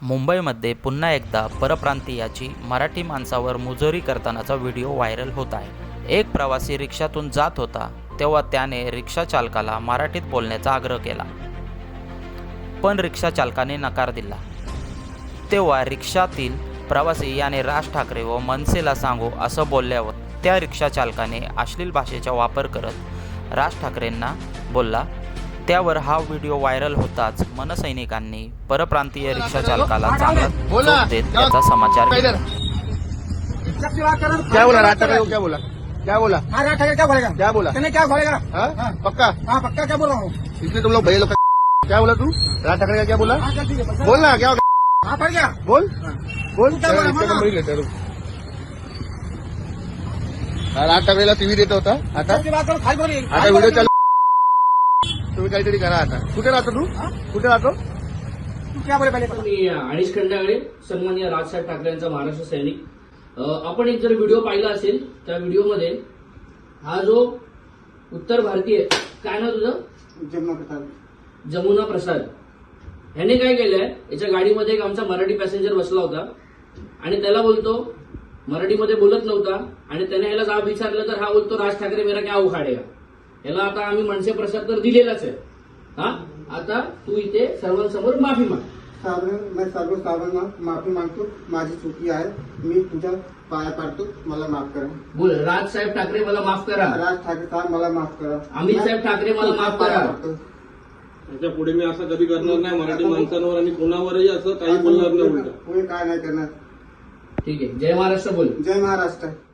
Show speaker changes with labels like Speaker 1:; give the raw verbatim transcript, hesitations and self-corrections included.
Speaker 1: मुंबईमध्ये पुन्हा एकदा परप्रांतीयाची मराठी माणसावर मुजोरी करतानाचा व्हिडिओ व्हायरल होत आहे। एक प्रवासी रिक्षातून जात होता तेव्हा त्याने रिक्षा चालकाला मराठीत बोलण्याचा आग्रह केला, पण रिक्षा चालकाने नकार दिला। तेव्हा रिक्षातील प्रवासी याने राज ठाकरे व मनसेला सांगू असं बोलल्यावर त्या रिक्षा चालकाने अश्लील भाषेचा वापर करत राज ठाकरेंना बोलला। त्यावर हा व्हिडिओ व्हायरल होताच मनसैनिकांनी परप्रांतीय रिक्षा चालकाला चांगला चोप देत त्याचा समाचार घेतला।
Speaker 2: क्या बोला राज ठाकरे को? क्या बोला क्या बोला
Speaker 3: हाँ राज ठाकरे क्या बोलेगा?
Speaker 2: क्या बोला
Speaker 3: तूने क्या बोलेगा?
Speaker 2: हाँ? पक्का
Speaker 3: हाँ पक्का क्या बोल रहा हूँ?
Speaker 2: इसलिए तुम लोग भैया लोग क्या बोला तू? राज ठाकरे का क्या बोला?
Speaker 3: हाँ चल ठीक है
Speaker 2: बोल ना क्या हो गया?
Speaker 3: हाँ पड़ गया
Speaker 2: बोल बोल
Speaker 3: क्या बोला?
Speaker 2: रिक्षा नंबर लेते रुक। राज ठाकरेला टीव्ही देत होता आता
Speaker 3: सबकी बात करो खाली बोलिए
Speaker 2: आता व्हिडिओ चालू तुम्ही काहीतरी करा आता। कुठे राहतो तू? कुठे राहतो?
Speaker 3: तू क्या बोले पहले?
Speaker 4: मी अनिश खंडागळे सन्माननीय राजसाहेब ठाकरे यांचा महाराष्ट्र सैनिक। अ, आपण एक जर व्हिडिओ पाहिला असेल त्या व्हिडिओमध्ये हा जो उत्तर भारतीय काय ना तुझं
Speaker 3: जमुना प्रसाद
Speaker 4: जमुना प्रसाद ह्याने काय केलंय, याच्या गाडीमध्ये एक आमचा मराठी पॅसेंजर बसला होता आणि त्याला बोलतो, मराठीमध्ये बोलत नव्हता आणि त्याने ह्याला जाब विचारलं तर हा बोलतो राज ठाकरे मेरा क्या उखाडेगा। याला आता आम्ही मनसे प्रसाद तर दिलेलाच आहे। हा आता तू इथे सर्वांसमोर माफी माग।
Speaker 3: साधारण मैं सर्व साधारण माफी मागतो, माझी चुकी आहे, मी तुझ्या पाया पाडतो, मला माफ करा।
Speaker 4: बोल, राज साहेब ठाकरे मला माफ करा,
Speaker 3: राज ठाकरे साहेब मला माफ करा,
Speaker 4: अमित साहेब ठाकरे मला माफ करा।
Speaker 5: त्याच्या पुढे मी असं कधी करणार नाही, मराठी माणसांवर आणि कोणावरही असं काही बोलणार नाही उलट।
Speaker 3: पुढे काय नाही करणार।
Speaker 4: ठीक आहे, जय महाराष्ट्र बोल।
Speaker 3: जय महाराष्ट्र।